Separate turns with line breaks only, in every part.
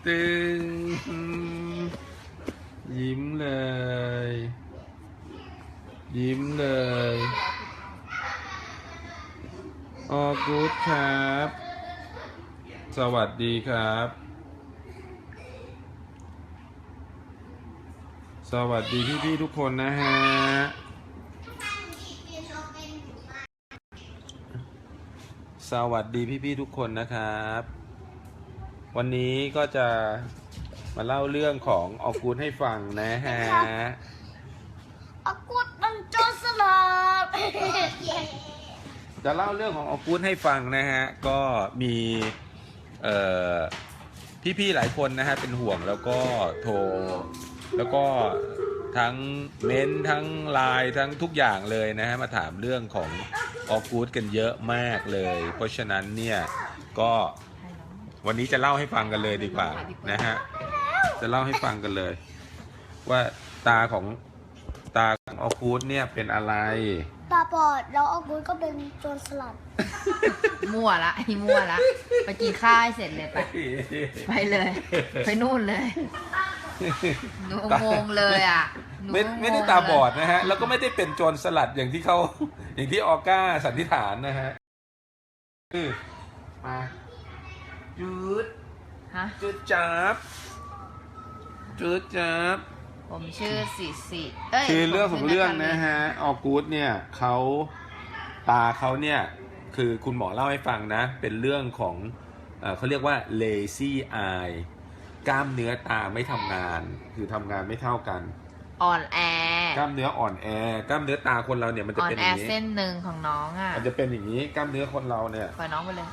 ตึงยิ้มเลย ยิ้มเลยออกูดครับ สวัสดีครับ สวัสดีพี่ๆทุกคนนะฮะ สวัสดีพี่ๆทุกคนนะครับ วันนี้ก็จะมาเล่าเรื่องของออกูดให้ฟังนะฮะ
ออกูดมันโจรสลัด
จะเล่าเรื่องของออกูดให้ฟังนะฮะ ก็มีพี่ๆหลายคนนะฮะเป็นห่วงแล้วก็โทรแล้วก็ทั้งเม้นทั้งไลน์ทั้งทุกอย่างเลยนะฮะมาถามเรื่องของออกูดกันเยอะมากเลย เพราะฉะนั้นเนี่ยก็วันนี้จะเล่าให้ฟังกันเลยดีกว่านะฮะจะเล่าให้ฟังกันเลย ว่าตาของออกูดเนี่ยเป็นอะไร
ตาบอดแล้วออกูดก็เป็นโจรสลัด
มั่วละไอ้มั่วละไปกินข้าวให้เสร็จเลยไปเลย ไปนู่นเลยหนูงงเลยอ่ะ
ไม่ได้ตาบอดนะฮะแล้วก็ไม่ได้เป็นโจรสลัดอย่างที่เขาอย่างที่ออก้าสันนิษฐานนะฮะมาจืด
ฮะ
จืดจับจืดจับ
ผมชื่อสิ
คือเรื่องของเรื่องนะฮะออกูดเนี่ยเขาตาเขาเนี่ยคือคุณหมอเล่าให้ฟังนะเป็นเรื่องของเขาเรียกว่า lazy eye กล้ามเนื้อตาไม่ทำงานคือทำงานไม่เท่ากัน
อ่อนแอก
ล้ามเนื้ออ่อนแอกล้ามเนื้อตาคนเราเนี่ยมันจะ
อ่อน
เป็นอ
แอย่าง
นี้
เส้นหนึ่งของน้องอ่ะ
มันจะเป็นอย่างนี้กล้ามเนื้อคนเราเนี่ย
ปล่อยน้องไปเลย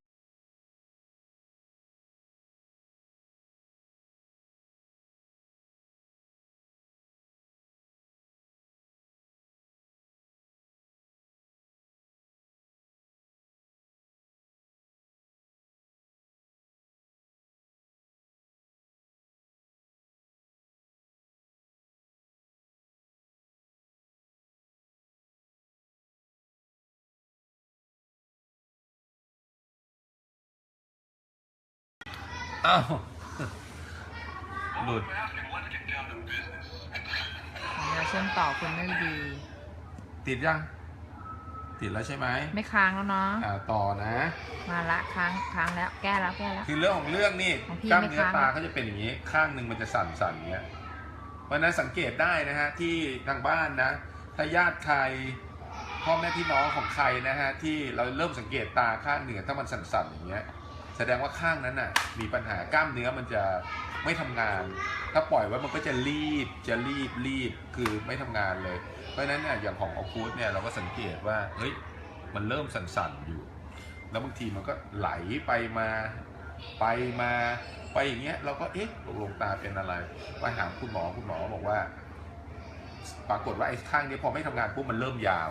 อ้าวหลุด
เราเชื่อมต่อคุณไม่ดี
ติดยังติดแล้วใช่ไหม
ไม่ค้างแล้วเนาะ
ต่อนะ
มาละค้างแล้วแก้แล้ว
คือเรื่องของเรื่องนี่
ของพี่
กล้าม
ไม่
เนื้อ
ค้าง
ตาเขาจะเป็นอย่างนี้ข้างหนึ่งมันจะสั่นๆอย่างเงี้ยเพราะฉะนั้นสังเกตได้นะฮะที่ทางบ้านนะถ้าญาติใครพ่อแม่พี่น้องของใครนะฮะที่เราเริ่มสังเกตตาข้างหนึ่งถ้ามันสั่นๆอย่างเงี้ยแสดงว่าข้างนั้นน่ะมีปัญหากล้ามเนื้อมันจะไม่ทำงาน ถ้าปล่อยไว้มันก็จะรีบคือไม่ทำงานเลยเพราะฉะนั้นเนี่ยอย่างของออกูดเนี่ยเราก็สังเกตว่าเฮ้ยมันเริ่มสั่นๆอยู่แล้วบางทีมันก็ไหลไปมาไปอย่างเงี้ยเราก็เอ๊ะตกลงตาเป็นอะไรไปหาคุณหมอบอกว่าปรากฏว่าไอ้ข้างนี้พอไม่ทำงานปุ๊บมันเริ่มยาว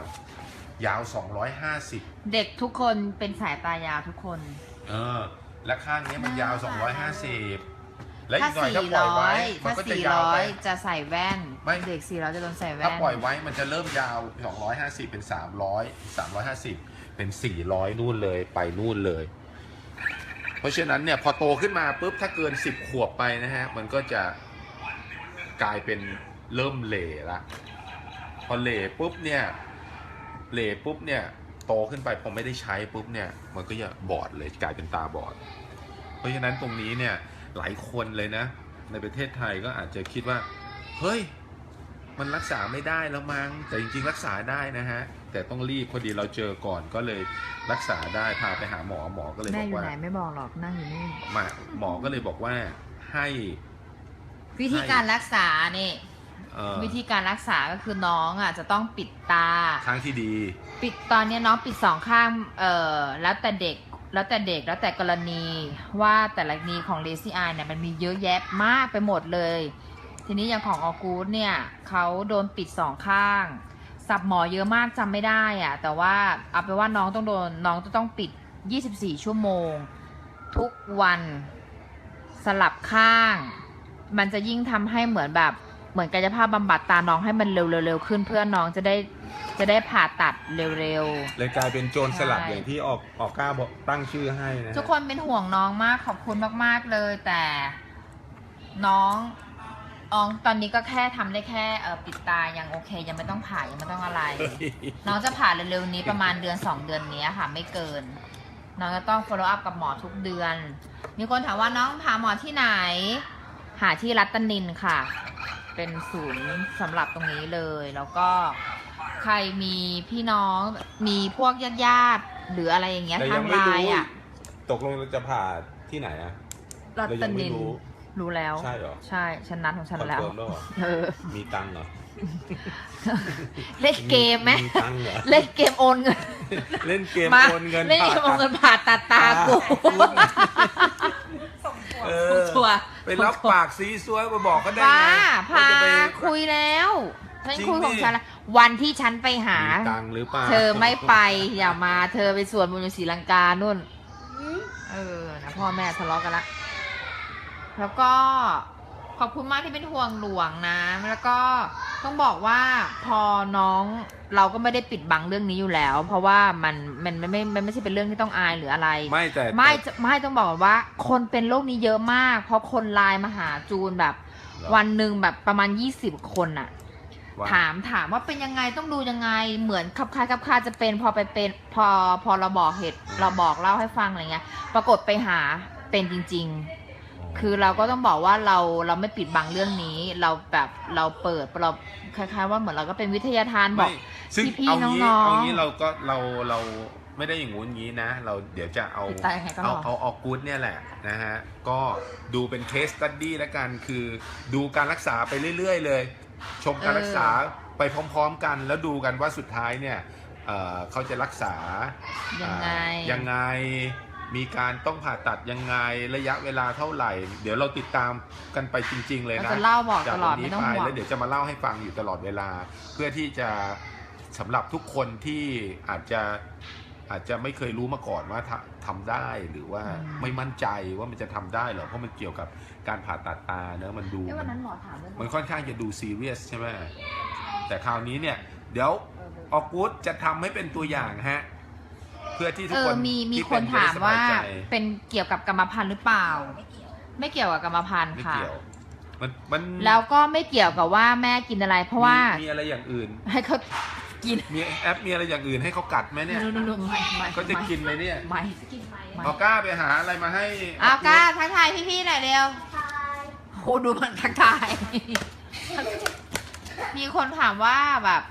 250
เด็กทุกคนเป็นสายตายาวทุกคน
และข้างนี้มันยาว250และอี
ถ้าก
หน่อยถ้าปล่อยไว้มันก็จะยาวไป
จะใส่แว่นเด็ก400จะโดนใส่แว่น
ถ้าปล่อยไว้มันจะเริ่มยาว250เป็น350เป็น400นู่นเลยไปนู่นเลยเพราะฉะนั้นเนี่ยพอโตขึ้นมาปุ๊บถ้าเกิน10 ขวบไปนะฮะมันก็จะกลายเป็นเริ่มเหล่ละพอเหล่ปุ๊บเนี่ยโตขึ้นไปพอไม่ได้ใช้ปุ๊บเนี่ยมันก็จะบอดเลยกลายเป็นตาบอดเพราะฉะนั้นตรงนี้เนี่ยหลายคนเลยนะในประเทศไทยก็อาจจะคิดว่าเฮ้ยมันรักษาไม่ได้แล้วมั้งแต่จริงๆรักษาได้นะฮะแต่ต้องรีบพอดีเราเจอก่อนก็เลยรักษาได้พาไปหาหมอก็เลยบอกว่า
แม่อยู่ไหนไม่บอกหรอกนั่งอยู่นี่
หมอก็เลยบอกว่าให้
วิธีการรักษานี่วิธีการรักษาก็คือน้องอ่ะจะต้องปิดตา
ข้างที่ดี
ปิดตอนนี้น้องปิด2 ข้างแล้วแต่เด็กแล้วแต่กรณีว่าแต่ละกรณีของ lazy eye เนี่ยมันมีเยอะแยะมากไปหมดเลยทีนี้อย่างของออกูดเนี่ยเขาโดนปิด2 ข้างสับหมอเยอะมากจำไม่ได้อ่ะแต่ว่าเอาไปว่าน้องจะต้องปิด24 ชั่วโมงทุกวันสลับข้างมันจะยิ่งทำให้เหมือนกายภาพบำบัดตาน้องให้มันเร็วขึ้นเพื่อน้องจะได้ผ่าตัดเร็ว
เลยกลายเป็นโจรสลัดอย่างที่ออกกล้าบอกตั้งชื่อให้นะ
ทุกคนเป็นห่วงน้องมากขอบคุณมากๆเลยแต่น้องตอนนี้ก็แค่ทำได้แค่ปิดตายังโอเค ยังไม่ต้องผ่ายังไม่ต้องอะไร น้องจะผ่าเร็วๆนี้ประมาณเดือน2 เดือนนี้ค่ะไม่เกิน น้องจะต้อง follow up กับหมอทุกเดือน มีคนถามว่าน้องพาหมอที่ไหน หาที่รัตนินค่ะ เป็นศูนย์สำหรับตรงนี้เลย แล้วก็ใครมีพี่น้องมีพวกญาติๆหรืออะไรอย่างเงี้ย
แต่
ทา
ยัง งไม่
ไล
รู้
น์อ่ะ
ตกลงเราจะผ่าที่ไหนอะ
รัต
เรายังไม่
นิน
รู้
รู้แล้ว
ใช่เหรอ
ใช่ฉันนัดของฉันแล้ว
คอนเฟิร์มแล้วเหรอ
เออ
มีตังค์เหรอ
เล่นเกมไหม
มีตังค์เหรอ
เล่นเกมโอนเงิน
เล่นเกม
มา
โอนเงิน
เล่นเกมโอนเงินผ่าตัดตากู
เอ
ส่ง
อ
ทัวร์
ไปรับปากซีซัวไปบอกเขาได้
ป้า
ไง
พา
จะไป
คุยแล้วฉัน
จริง
คุยของ
ดิ
ฉันแล้ววันที่ฉันไปหา
มีตังค์หรือเปล่า
เธอไม่ไปอย่ามาเธอไปสวนบุญอยู่ศรีลังกานู่น เออนะพ่อแม่ทะเลาะกันละแล้วก็ขอบคุณมากที่เป็นห่วงหลวงนะ แล้วก็ต้องบอกว่าพอน้องเราก็ไม่ได้ปิดบังเรื่องนี้อยู่แล้ว เพราะว่ามันไม่ใช่เป็นเรื่องที่ต้องอายหรืออะไร
ไม่แต่
ไม่ต้องบอกว่า คนเป็นโรคนี้เยอะมาก เพราะคนไลน์มาหาจูนแบบ วันหนึ่งแบบประมาณ20 คนอะ
ว่า
ถามว่าเป็นยังไงต้องดูยังไงเหมือนคับคล้ายจะเป็นพอไปเป็นพอเราบอกเหตุเราบอกเล่าให้ฟังอะไรเงี้ย ปรากฏไปหาเป็นจริง ๆ คือเราก็ต้องบอกว่าเราไม่ปิดบังเรื่องนี้ เราแบบเราเปิดเราคล้ายๆว่าเหมือนเราก็เป็นวิทยาทานบอก
ไม่ซึ่ง
พี่
เอา
ๆ
งี้
น้องๆ
เอางี้เราไม่ได้อย่างงู้นงี้นะ เราเดี๋ยวจะเอา
ติดตามยังไงก็รอ
เอาออกกู๊ดเนี่ยแหละนะฮะก็ดูเป็นเคสสตัดดี้แล้วกันคือดูการรักษาไปเรื่อยๆเลย ชมการรักษาไปพร้อมๆกัน แล้วดูกันว่าสุดท้ายเนี่ยเขาจะรักษา
ยังไง
ยังไงมีการต้องผ่าตัดยังไงระยะเวลาเท่าไหร่ เดี๋ยวเราติดตามกันไปจริง ๆ เลย
เรา
นะ
จะเล่าบอก
จาก
ตลอด
วันนี้
ไม่ต้อง
ไป
ห่วง
แล้วเดี๋ยวจะมาเล่าให้ฟังอยู่ตลอดเวลา เพื่อที่จะสำหรับทุกคนที่อาจจะไม่เคยรู้มาก่อนว่าทำได้หรือว่าไม่มั่นใจว่ามันจะทำได้หรอเพราะมันเกี่ยวกับการผ่าตัดตาเนอะมันดู
วันนั้นหมอถามเรื่อง
มันค่อนข้างจะดูซีเรียสใช่ไหมแต่คราวนี้เนี่ยเดี๋ยวออกูดจะทำให้เป็นตัวอย่างฮะเพื่อที่ทุกคน
มี
ที่
คน
เป็
ถามว่า
จะได้สบยใจ
เป็นเกี่ยวกับกรรมพันธุ์หรือเปล่า ไม่เกี่ยวกับกรรมพันธุ์
ไม่
ค่ะ
เกี่ยวมัน
แล้วก็ไม่เกี่ยวกับว่าแม่กินอะไร เพราะว่า
มีอะไรอย่างอื่น
ให้เขากิน
มีแอปมีอะไรอย่างอื่นให้เขากัดไหมเนี่ย
ไม่
เขาจะกินไหมเนี่ย
ไม่
ออก้าไปหาอะไรมาให้
เอาก้าทักทายพี่ๆหน่อยเร็วโอ้ดูมันทักทาย มีคนถามว่าแบบ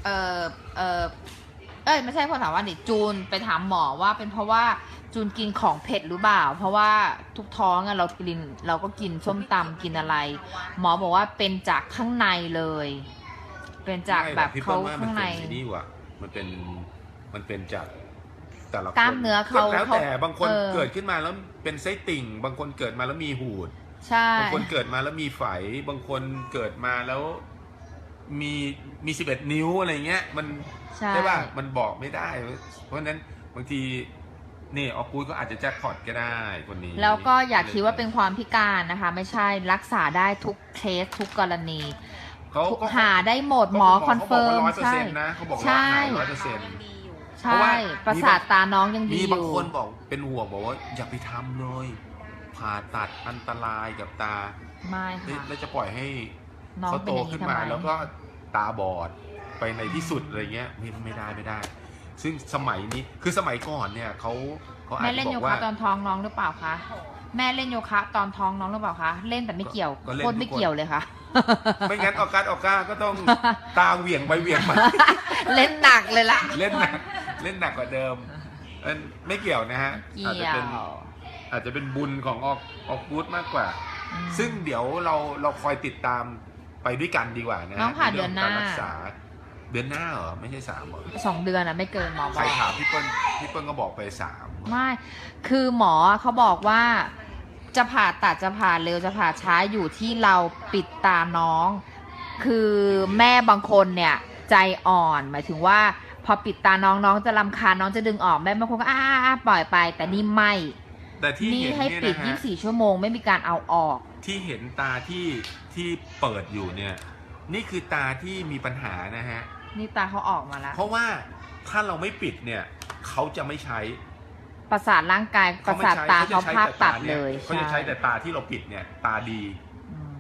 ไม่ใช่คนถามว่าดิจูนไปถามหมอว่าเป็นเพราะว่าจูนกินของเผ็ดหรือเปล่า เพราะว่าทุกท้องอะเราก็กินส้มตำกินอะไร หมอบอกว่าเป็นจากข้างในเลย เป็นจากแบบ
พี่
เขา
ปิ้ลว่
ข้างใน
มัเป็ไอ้นี่ว่ะมันเป็นจากแต่ละคน
กล้ามเนื้อเขา
แล้วแต่บางคน
เออ
เกิดขึ้นมาแล้วเป็นไส้ติ่ง บางคนเกิดมาแล้วมีหูด
ใช่
บางคนเกิดมาแล้วมีไฝ บางคนเกิดมาแล้วมี11 นิ้วอะไรเงี้ยมัน
ใช่
ใช่ป่ะมันบอกไม่ได้ เพราะฉะนั้นบางทีนี่ออกูดก็อาจจะแจ็คพอตก็ได้คนนี้
แล้วก็อย่าคิดว่าเป็นความพิการนะคะ ไม่ใช่รักษาได้ทุกเคสทุกกรณี
เขาก็
หาได้หมดหมอคอนเฟิร์ม
เขาบอกว่า
ใช่
100%นะเขาบอกว่า
ใช่
หาย100%
ใช่
เพราะว่า
ประสาทตาน้องยังดี
มี
อยู่
บางคนบอกเป็นห่วงบอกว่าอย่าไปทำเลย ผ่าตัดอันตรายกับตา
ไม่ค่ะ
แล้วจะปล่อยให้
น้อง
เขา
เป็
โต
นอย่าง
ขึ้
นี้
น
ทำ
มา
ไม
แล้วก็ตาบอดไปในที่สุดอะไรเงี้ยไม่ได้ ซึ่งสมัยนี้คือสมัยก่อนเนี่ยเขาอาจ
แม่
จะ
เล่น
บ
โย
อก
คะ
ว่า
ตอนท้องน้องหรือเปล่าคะแม่เล่นโยคะตอนท้องน้องหรือเปล่าคะเล่นแต่ไม่เกี่ยว
ก็เล่น
โคตรไม่
ทุกคน
เกี่ยวเลยค่ะ
ไม่งั้นออก้าก็ต้องตาเหวี่ยงไปเหวี่ยงมา
เล่นหนักเลยล่ะ
เล่นหนักกว่าเดิมไม่เกี่ยวนะฮะ
เกี่
อาจจะ
ย
เป็น
ว
อาจจะเป็นบุญของออกกูดมากกว่า
อืม
ซึ่งเดี๋ยวเราคอยติดตามไปด้วยกันดีกว่านะฮะ
น้องผ่า
ใรื่
เดือนหน้า
การรักษาเดือนหน้าเหรอไม่ใช่3เหรอ
2 เดือนอะไม่เกินหมอบอก
ใครถามพี่เปิ้ลก็บอกไป3
ไม่ คือหมอเขาบอกว่าจะผ่าตัดจะผ่าเร็วจะผ่าช้าอยู่ที่เราปิดตาน้อง คือแม่บางคนเนี่ยใจอ่อน หมายถึงว่าพอปิดตาน้องจะรำคาญน้องจะดึงออกแม่บางคนก็ปล่อยไป แต่นี่ไม่
แต่ที่
นี่
เห็น
ให้
เนี่ย
ปิด
นะฮะ
24 ชั่วโมงไม่มีการเอาออก
ที่เห็นตาที่เปิดอยู่เนี่ยนี่คือตาที่มีปัญหานะฮะ
นี่ตาเขาออกมาแล้ว
เพราะว่าถ้าเราไม่ปิดเนี่ยเขาจะไม่ใช้
ประสาทร่างกายประสาทตาเขาภาพตัดเลย
เขาจะใช้แต่ตาที่เราปิดเนี่ยตาดี
อืม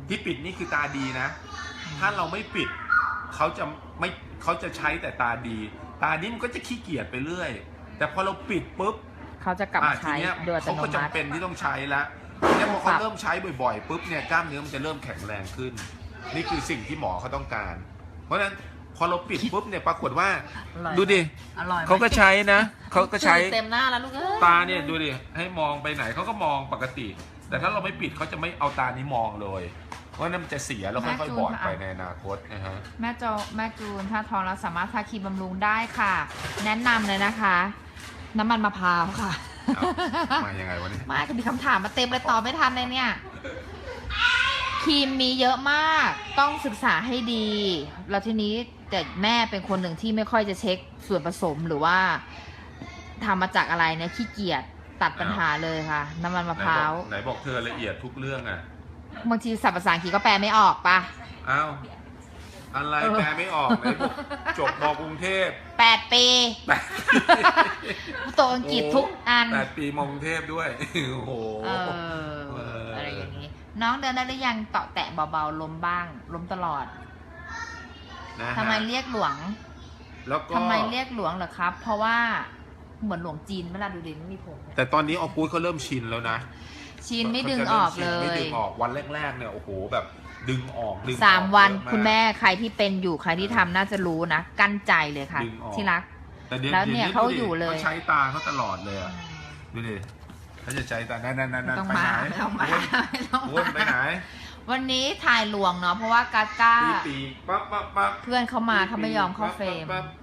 ที่ปิดนี่คือตาดีนะ ถ้าเราไม่ปิดเขาจะใช้แต่ตาดี ตานี้มันก็จะขี้เกียจไปเรื่อย แต่พอเราปิดปุ๊บ
เขาจะกลับมาใช้
ทีเนี้ย
โดยอัต
เขา
โน
ก็
มั
จำ
ติ
เป็นที่ต้องใช้แล้วเนี่ยพอเขาเริ่มใช้บ่อยๆปุ๊บเนี่ยกล้ามเนื้อมันจะเริ่มแข็งแรงขึ้น นี่คือสิ่งที่หมอเขาต้องการ เพราะฉะนั้นพอเราปิดปุ๊บเนี่ยปรากฏว่า
อร่อย
ดูดิ
อร่อยไหม
เขาก็ใช้นะเขาก็ใช้
เต็มหน้าแล้วลูกเอ้ย
ตาเนี่ยดูดิให้มองไปไหนเขาก็มองปกติ แต่ถ้าเราไม่ปิดเขาจะไม่เอาตานี้มองเลยเพราะนั่นมันจะเสียแล้วค่อยๆบอดไปในอนาคตนะฮะ
แม่จูนถ้าท้องแล้วสามารถทาครีมบำรุงได้ค่ะ แนะนำเลยนะคะ น้ำมันมะพร้าวค่ะ
มายังไงวะเนี่ย
ไม่ก็มีคำถามมาเต็มเลยตอบไม่ทันเลยเนี่ย ครีมมีเยอะมาก ต้องศึกษาให้ดี แล้วทีนี้แต่แม่เป็นคนหนึ่งที่ไม่ค่อยจะเช็คส่วนผสมหรือว่าทำมาจากอะไรเนี่ยขี้เกียจตัดปัญหาเลยค่ะ น้ำมันมะพร้าว
ไหนบอกเธอละเอียดทุกเรื่องอ่ะ
บางทีศัพท์ภาษาอังกฤษก็แปลไม่ออกปะ
อ้าวอะไรแปลไม่ออกไหนบอกจบมกรุงเทพ
8 ปี
แปด
ตัวอังกฤษทุกอัน
8 ปีมกรุงเทพด้วยโอ้โห
อะไรอย่างนี้ น้องเดินได้หรือยังเตาะแตะเบาๆล้มบ้าง ล้มตลอด
นะฮะ
ทำไมเรียกหลวง
แล้วก็
ทำไมเรียกหลวงเหรอครับ เพราะว่าเหมือนหลวงจีนเวลาดูดิไม่มีผมเนี่ย
แต่ตอนนี้ออกูดเขาเริ่มชินแล้วนะ
ชินไม่ดึงออกเล
ไม่
ย
ดึงออกวันแรกๆเนี่ยโอ้โหแบบดึงออกดึงออก
3 วัน
เยอะาก
คุณแม่ใครที่เป็นอยู่ใครที่ทำน่าจะรู้นะ กั้นใจเลยค่ะ
ดึงออก
ที่รัก
แต่ดี๋
แล้วเนี่ย
ดี๋
เขาอยู่เลย
เขาใช้ตาเขาตลอดเลยอะดูดิเขาจะใช้ตานั่น
ไม่ต้อง
ไป
มา
ไหน
ไม่ต้องมาไม่ต้อง
อ้วนไปไหน
วันนี้ถ่ายหลวงเนาะเพราะว่ากาก้า
ปีปั๊บปั๊บปั๊บ
เพื่อนเขามาเขาไม่ยอมเข้าเฟรม
ปั๊บ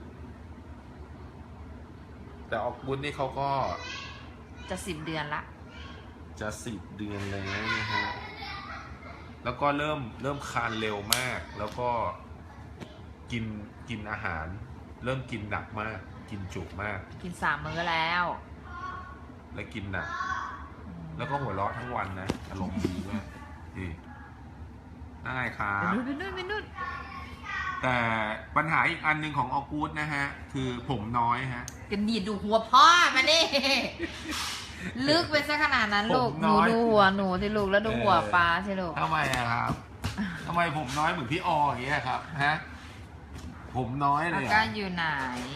แต่ออกบุญนี่เขาก็
จะ10 เดือนละ
จะ10 เดือนแล้วนะฮะแล้วก็เริ่มคลานเร็วมาก แล้วก็กินอาหาร เริ่มกินหนักมาก กินจุมาก
กิน3 มื้อแล้ว
และกินหนัก แล้วก็หัวเราะทั้งวันนะอารมณ์ดีมากดีได้ครับ
ไปนู่น
แต่ปัญหาอีกอันหนึ่งของออกูดนะฮะ คือผมน้อยฮะ
กันดีดูหัวพ่อมาดิลึกไปซะขนาดนั้นลูก
ผม
ห
น้
นู
อย
ดูหัวหนูสิลูกแล้วดูหัวปลาสิลูก
ทำไมอะครับทำไมผมน้อยเหมือนพี่ออย่างเงี้ยครับฮะผมน้อยเล
อาย
อะ
ก้าอยู่ไหน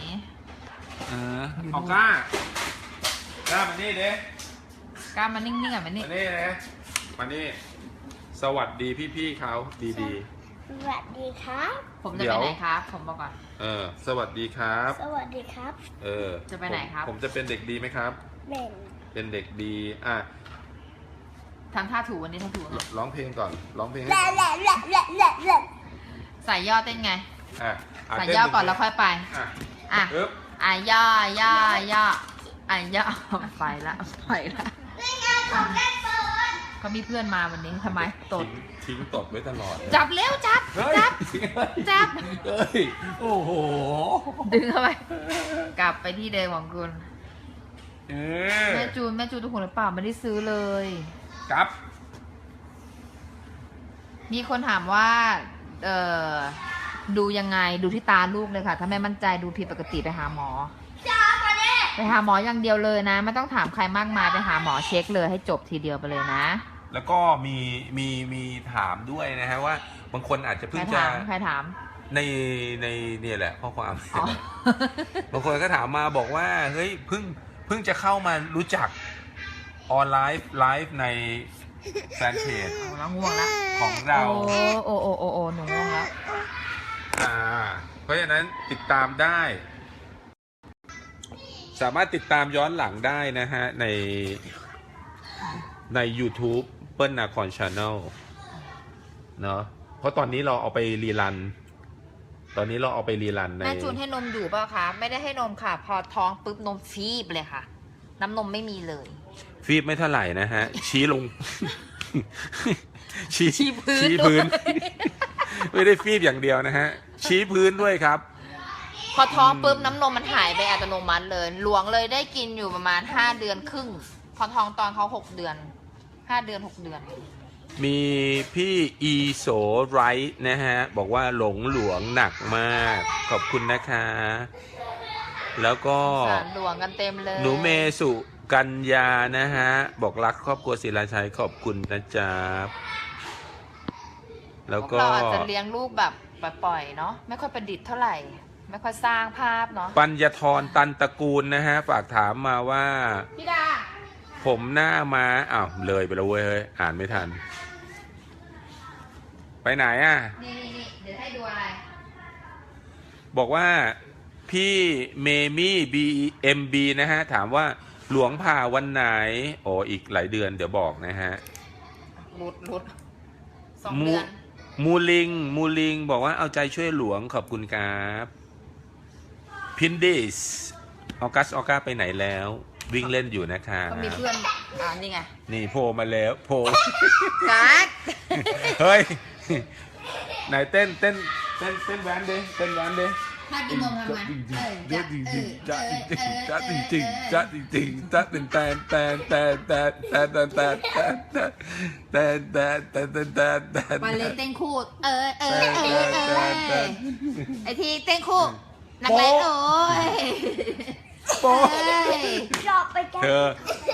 ออก้ามานี่เด้
ก้ามานิ่งๆอ่ะมานี่
มานี่เด้มานี่สวัสดีพี่ๆเขาดี
สวัสดีครับ
ผมจะไปไหนครับผมบอกก่อน
สวัสดีครับ
สวัสดีครับ
จะไปไหนครับ
ผมจะเป็นเด็กดีไหมครับ
เป็น
เป็นเด็กดี
ทำท่าถูวันนี้ท่าถูไง
ร้องเพลงก่อนร้องเพลงให้
แหละ
ฟัง
แหละแหละแหละแหละแหละ
ใส่ย่อเต้นไง
ะ
ใส่
เต้
ย่อ
หง
ก่อนแล้วค่อยไป
อ่ะ
อ่ะ
ปึ๊บ
ย่อย่ไปละเขามีเพื่อนมาวันนี้ทำไมตด
ทิ้งตดไว้ตลอดเลย
จับเร็วจับ
เฮ้ย
จับ
เฮ้ยโอ้โห
ดึงเข้าไป กลับไปที่เดิมของคุณ
เออ
แม่จูนทุกคนหรือเปล่าไม่ได้ซื้อเลย
ครับ
มีคนถามว่าดูยังไงดูที่ตาลูกเลยค่ะ ถ้าไม่มั่นใจดูผิดปกติไปหาหมอ ไปหาหมออย่างเดียวเลยนะไม่ต้องถามใครมากมายไปหาหมอเช็คเลยให้จบทีเดียวไปเลยนะ
แล้วก็มีถามด้วยนะฮะว่าบางคนอาจจะ
ใค
เพิ่
รง
จะ
ถามใครถาม
ในเนี่ยแหละข้อความ
อ๋อ
บางคนก็ถามมาบอกว่าเฮ้ยเพิ่งจะเข้ามารู้จักออนไลฟ์ในแฟนเพจ
เอาแล้วง่วงแล้ว
ของเรา
โอ้หนูง่วงแล้ว
เพราะฉะนั้นติดตามได้ สามารถติดตามย้อนหลังได้นะฮะใน YouTube เปิ้ลนาคอนชาแนลเนาะเพราะตอนนี้เราเอาไปรีรัน ใน
แม่จูนให้นมอยู่เปล่าคะไม่ได้ให้นมค่ะ พอท้องปุ๊บนมฟีบเลยค่ะ น้ำนมไม่มีเลย
ฟีบไม่เท่าไหร่นะฮะ ชี้ลง
ชี้พื้น
ชี้พื้น ไม่ได้ฟีบอย่างเดียวนะฮะ ชี้พื้นด้วยครับ
พอท้องปุ๊บน้ำนมมันหายไปอัตโนมัติเลยหลวงเลยได้กินอยู่ประมาณ5 เดือนครึ่ง พอท้องตอนเขา6 เดือน5 เดือน6 เดือน
มีพี่อีโสไรท์นะฮะ บอกว่าหลงหลวงหนักมาก ขอบคุณนะคะ แล้วก็
สารหลวงกันเต็มเลย
หนูเมสุกัญญานะฮะ บอกรักครอบครัวศิลาชัยขอบคุณนะจ๊ะแล้ว
พว
ก็
เราอาจจะเลี้ยงลูกแบบปล่อยๆเนาะไม่ค่อยประดิษฐ์เท่าไหร่ ไม่ค่อยสร้างภาพเนาะ
ปัญญาธรตันตระกูลนะฮะ ฝากถามมาว่า
พี่ดา
ผมหน้ามาอ้าวเลยไปแล้วเว้ยเฮ้ยอ่านไม่ทัน ไปไหนอ่ะ
นี่เดี๋ยวให้ดูอะไร
บอกว่าพี่เมมี่BMB นะฮะ ถามว่าหลวงผ่าวันไหน โอ้อีกหลายเดือนเดี๋ยวบอกนะฮะ
รุด2 เดือน
มูลิงบอกว่าเอาใจช่วยหลวงขอบคุณครับพินดิสออกัสไปไหนแล้ว วิ่งเล่นอยู่นะคะ
ก็มีเพื่อนนี่ไง
นี่โผล่มาแล้วโผล่
กัด
เฮ้ย ไหนเต้นแวนดิเต้นแวนดิ
ถ้ากินนมทำไง
จ้าจริงจ้าจริงจ้าจริงจ้าเป็นแตน
มาเลยเต้นคู่ไอที่เต้นคู่นักเล่นโอ้ย
โป๊ะ
ชอบไปกัน
เธอ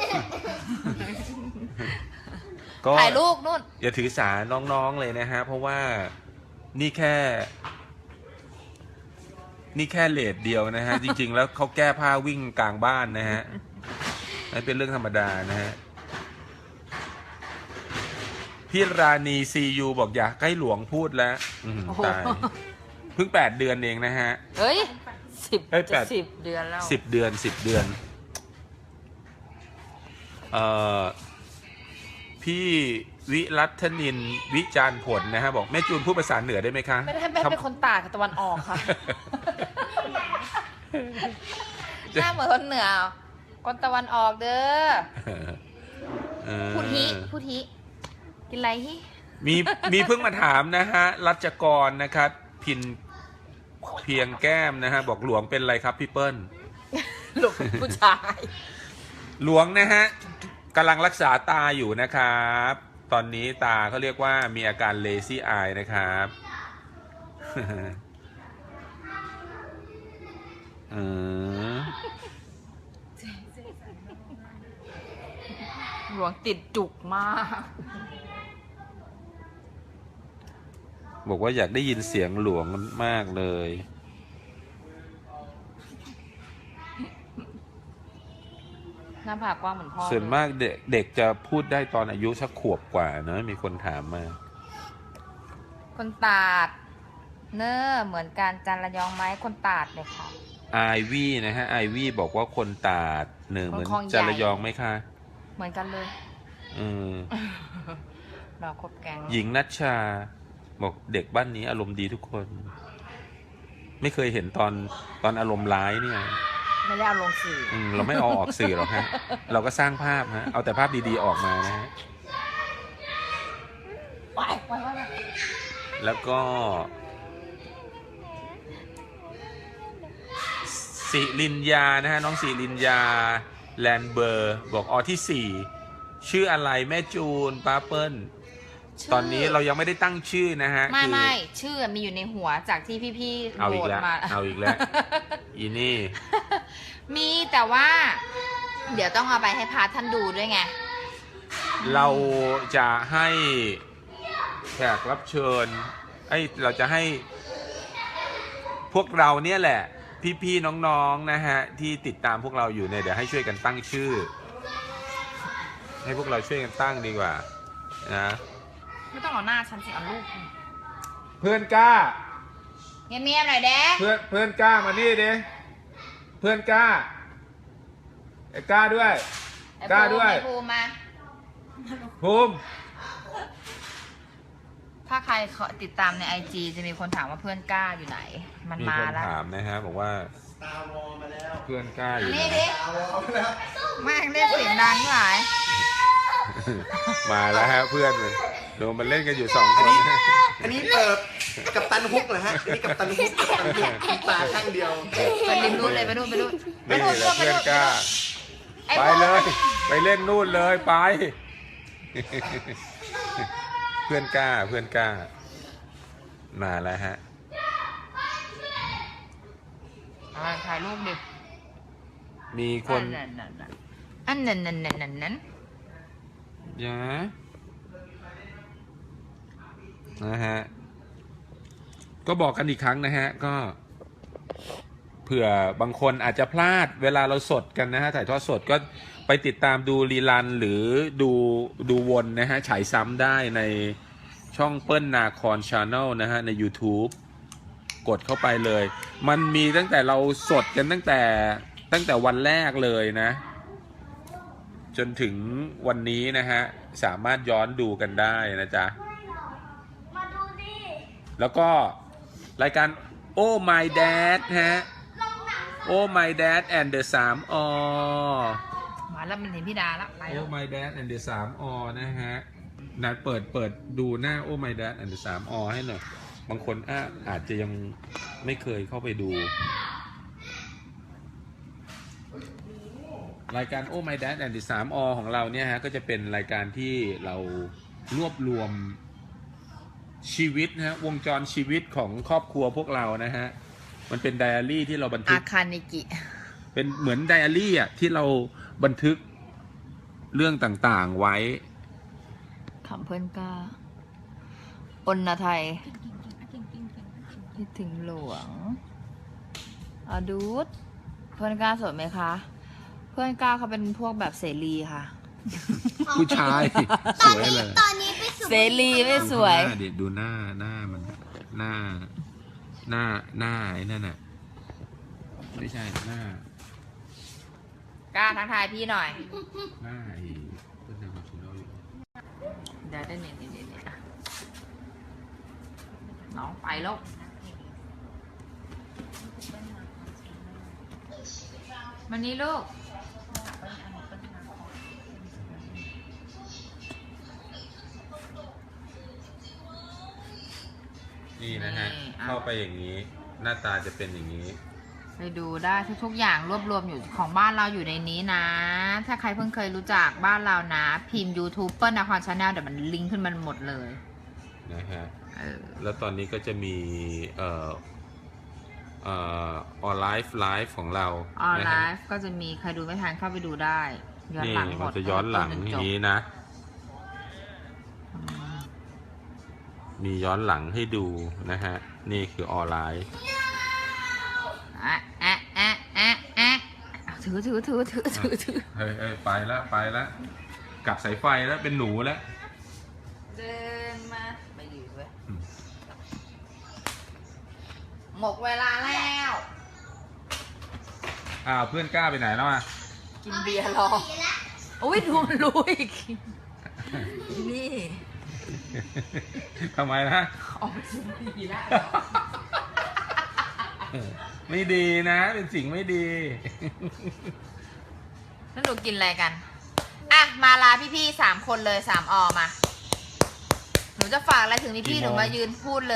ก็
ถ่ายรูปนู่น
อย่าถือสาน้องๆเลยนะฮะ เพราะว่านี่แค่เลทเดียวนะฮะ จริงๆแล้วเขาแก้ผ้าวิ่งกลางบ้านนะฮะนั่นเป็นเรื่องธรรมดานะฮะพี่ราณีซียูบอกอยากให้หลวงพูดแล้วตายเพิ่ง8 เดือนเองนะฮะ
เฮ้ยจะ
8
10 เดือนแล้ว
10 เดือนพี่วิรัตนินวิจารณ์ผลนะฮะบอกแม่จูนพูดภาษาเหนือได้ไหมคะ
ไม่ได้แม่เป็นคนตากกับตะวันออกค่ะหน้าเหมือนคนเหนือคนตะวันออกเด้อพูดฮิกินอะไรฮิ
มีเพิ่งมาถามนะฮะรัชกรนะครับเพียงแก้มนะฮะบอกหลวงเป็นอะไรครับพี่เปิ้ล
ลูกผู้ชาย
หลวงนะฮะกำลังรักษาตาอยู่นะครับ ตอนนี้ตาเขาเรียกว่ามีอาการเลซี่อายนะครับ
หลวงติดจุกมาก
บอกว่าอยากได้ยินเสียงหลวงมากเลย
หน้าผากกว้างเหมือนพ่อ
ส่วนมากเด็กจะพูดได้ตอนอายุสักขวบกว่านะมีคนถามมา
คนตาดเนอเหมือนการจันระยองไหมคนตาดเลยค่ะ
ไอวี่นะฮะไอวี่บอกว่าคนตาดเหมือนจระยองไหมคะ
เหมือนกันเลยเราคบแก๊ง
หญิงนัชชาบอกเด็กบ้านนี้อารมณ์ดีทุกคน ไม่เคยเห็นตอนอารมณ์ร้ายเนี่ย
ไม่ได้เอาลงสื่อ
เราไม่เอาออกสื่อหรอกฮะ เราก็สร้างภาพฮะเอาแต่ภาพดีๆออกมานะฮะแล้วก็สิรินยานะฮะน้องสิรินยาแลนเบอร์บอกที่4ชื่ออะไรแม่จูนป้าเปิ้ลตอนนี้เรายังไม่ได้ตั้งชื่อนะฮะ
ไม่ชื่อมีอยู่ในหัวจากที่พี่ๆ
เอา
โห
อี
ว
ก
ต
แล้ว
มา
เอาอีกแล้วอีนี่
มีแต่ว่า เดี๋ยวต้องเอาไปให้พาท่านดูด้วยไง
เราจะให้แขกรับเชิญเราจะให้พวกเราเนี่ยแหละพี่ๆน้องๆนะฮะที่ติดตามพวกเราอยู่เนี่ยเดี๋ยวให้ช่วยกันตั้งชื่อ ให้พวกเราช่วยกันตั้งดีกว่านะ
ไม่ต้องเอาหน้าฉันสิเอาลูก
เพื่อนกล้า
เงียบๆหน่อยเด้
เพื่อนกล้ามานี่ดิเพื่อนกล้าไอ้กล้าด้วยกล้าด้วย
ภูมิมา
ภูมิ
ถ้าใครติดตามใน IG จะมีคนถามว่าเพื่อนกล้าอยู่ไหน มัน
มี
มา
คน
แล้ว
ถามนะฮะบอกว่าเพื่อนกล้าอยู่ไหน
นี่ดิแม่งเรียกเสียงดังหลาย
มาแล้วฮะเพื่อนเลยโดนมันเล่นกันอยู่2 คน
อันนี้กับตันฮุกเหรอฮะอันนี้กับตันฮุกมีตาข้างเดียว
ไปริมนู้นเลยไปนู่น
นี่แหละเพื่อนกล้าไปเลยไปเล่นนู่นเลยไป เพื่อนกล้ามาแล้วฮะ
ถ่ายรูปดิ
มีคน
อันนั้น
ยะนะฮะก็บอกกันอีกครั้งนะฮะก็เผื่อบางคนอาจจะพลาดเวลาเราสดกันนะฮะถ่ายทอดสดก็ไปติดตามดูรีลันหรือดูวนนะฮะฉายซ้ำได้ในช่องเปิ้ลนาคอนชาแนลนะฮะใน YouTube กดเข้าไปเลย มันมีตั้งแต่เราสดกันตั้งแต่วันแรกเลยนะจนถึงวันนี้นะฮะสามารถย้อนดูกันได้นะจ๊ะ
มาดูดิ
แล้วก็รายการ Oh My Dad ฮะ
ลงหนัง
Oh My Dad and the 3 อ
มาแล้วมันเห็นพี่ดาแล้วไปแล้ว
Oh My Dad and the 3 อ นะฮะนัดเปิดดูหน้า Oh My Dad and the 3 อ ให้หน่อย บางคนอาจจะยังไม่เคยเข้าไปดู รายการ Oh My Dad and the 3 อ ของเราเนี่ยฮะก็จะเป็นรายการที่เรารวบรวมชีวิตนะฮะวงจรชีวิตของครอบครัวพวกเรานะฮะมันเป็นไดอารี่ที่เราบันทึ
อาก คานิกิ
เป็นเหมือนไดอารี่อ่ะที่เราบันทึกเรื่องต่างๆไว้
คำเพื่อนกล้าอนนาไทยคิดถึงหลวงอดูดเพื่อนกล้าสวยไหมคะ เพื่อนกล้าเขาเป็นพวกแบบเสรีค่ะ
ผู้ชาย สวยเลย
ตอนนี้ไปสู่
เสรีไม่สวย
เดี๋ยวดูหน้ามันหน้าไอ้นั่นน่ะไม่ใช่หน้าก
ล้าทักทายพี่หน่อย
หน้าไอ้เพื่อนในคอนซูโน่อยู่
เดี๋ยวได้เนี่ยน้องไปแล้ว วันนี้ลูก
นี่นะฮะ
นี่อ่ะ
เข้าไปอย่างนี้ หน้าตาจะเป็นอย่างนี้
ไปดูได้ทุกๆอย่างรวบรวมอยู่ของบ้านเราอยู่ในนี้นะ ถ้าใครเพิ่งเคยรู้จักบ้านเรานะ พิมพ์ YouTube เปิ้ลนครชาแนลเดี๋ยวมันลิงก์ขึ้นมันหมดเลย
นะฮะ
เออ
แล้วตอนนี้ก็จะมีออนไลฟ์ของเรา
ออนไล
นะฮะ
ฟ์ก็จะมีใครดูไม่ทันเข้าไปดูได้ย้อน
นี่
หลังหม
มั
ด
นจะย้อนหลัง
จ
อน
จ
ย่า
บ
งนี้นะ
อืม
มีย้อนหลังให้ดูนะฮะ นี่คือออนไลน์
ถือ
เฮ้ยไปแล้วกลับสายไฟแล้วเป็นหนูแล้ว
เดินมาไปอยู่เว้ย
อืม
หมดเวลาแล้ว
เพื่อนกล้าไปไหนแล้วอ่ะ
กินเบียร์รอโอ้ยดูมันรู้อีกนี่
ทำไมนะ
ออกไปกินดีแล้ว
ไม่ดีนะ เป็นสิ่งไม่ดี
แล้วหนูกินอะไรกัน อ่ะ มาลาพี่ๆ3 คนเลย3 อมา หนูจะฝากอะไรถึงพี่ๆหนูมายืนพูดเลย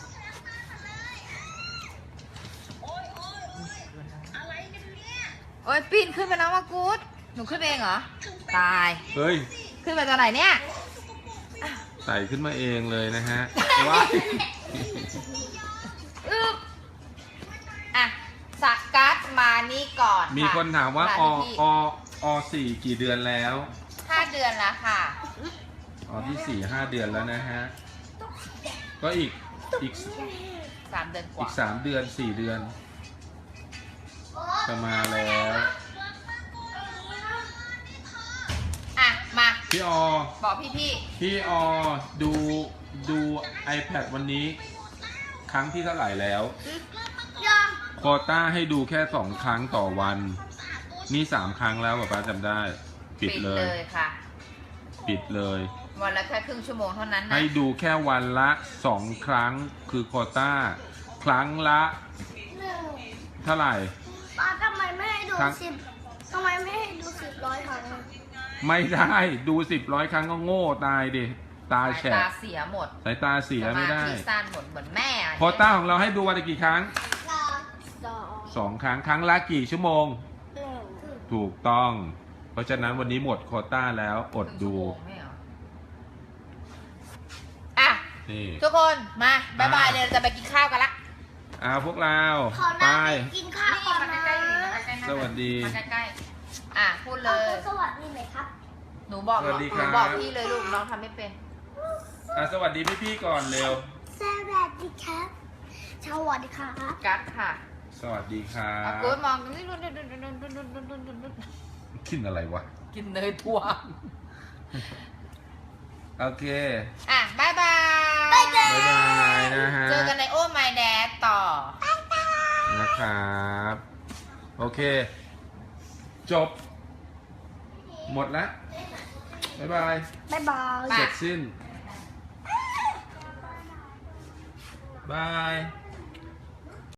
โอ้ยปีนขึ้นไปแล้วว่ากู๊ดหนูขึ้นเองเหรอ ตาย
เฮ้ย
ขึ้นไปตอนไหนเนี่ย
ใส่ขึ้นมาเองเลยนะฮะว้าย
อึ๊บอ่ะสกัดมานี่ก่อน
มีคนถามว่า
ลพี่
4กี่เดือนแล้ว
5 เดือนแล้วค่ะ
ที่4-5 เดือนแล้วนะฮะ ก็อีก
3 เดือนกว่า
3 เดือน 4 เดือนจะมาแล้ว
อ่ะ มา
พี่อ
บอกพี่
พี่อดู iPad วันนี้ ครั้งที่เท่าไหร่แล้ว
ยัง
โควต้าให้ดูแค่2 ครั้งต่อวัน นี่3 ครั้งแล้วป๊าจำได้
ๆ
ปิดเลย
ค่ะ
ปิดเลย
วันละแค่ครึ่งชั่วโมงเท่านั้นนะ
ให้ดูแค่วันละ2 ครั้งคือโควต้า ครั้งละ
1
เท่าไหร่
ป้าทำไมไม่ให้ดู
ครั้ง
10ทำไมไม่ให้ดู10 100 ครั้งอะ
ไม่ได้ดู10-100 ครั้งก็โง่ตายดิ ตา
สาย
แฉะ
ตาเสียหมด
สายตาเสียไม่ได้
สาธิสั้นหมดเหมือนแม่อะ
โควต้าของเราให้ดูวันละกี่ครั้ง
2
2 ครั้ง ครั้งละกี่ชั่วโมง
1
ถูกต้อง เพราะฉะนั้นวันนี้หมดโควต้าแล้วอดดู
ครึ่งชั่วโมงไม่เหรออ่ะ
นี่
ทุกคนมาบ๊ายบายเลยเราจะไปกินข้าวกันละ
พวกเรา
ขอ
ไป
นั่งกินข้าวก่อนนะ
สวัสดี
มาใกล้ๆอ่ะพูดเลย
สวัสดีไหมครับ
หนูบอก
สวัสดี
ห
ครั
นู
บ
บอกพี่เลยลูกน้องทำไม่เป็น
ส
สวัสดีพี่ๆก่อนเร็ว
สวัสดีครับสวัสดีครับ
กัดค่ะ
สวัสดีครับ
อากูดมองนี่
กินอะไรวะ
กินเนยถั่ว
โอเค
อ่ะบายบาย
บ๊ายบายนะฮะ
เจอกันในโอ้ my dad ต่อ
นะครับ โอเค จบ หมดแล้วบ๊ายบาย
บ๊ายบาย
ไป
เสร็จสิ้น บาย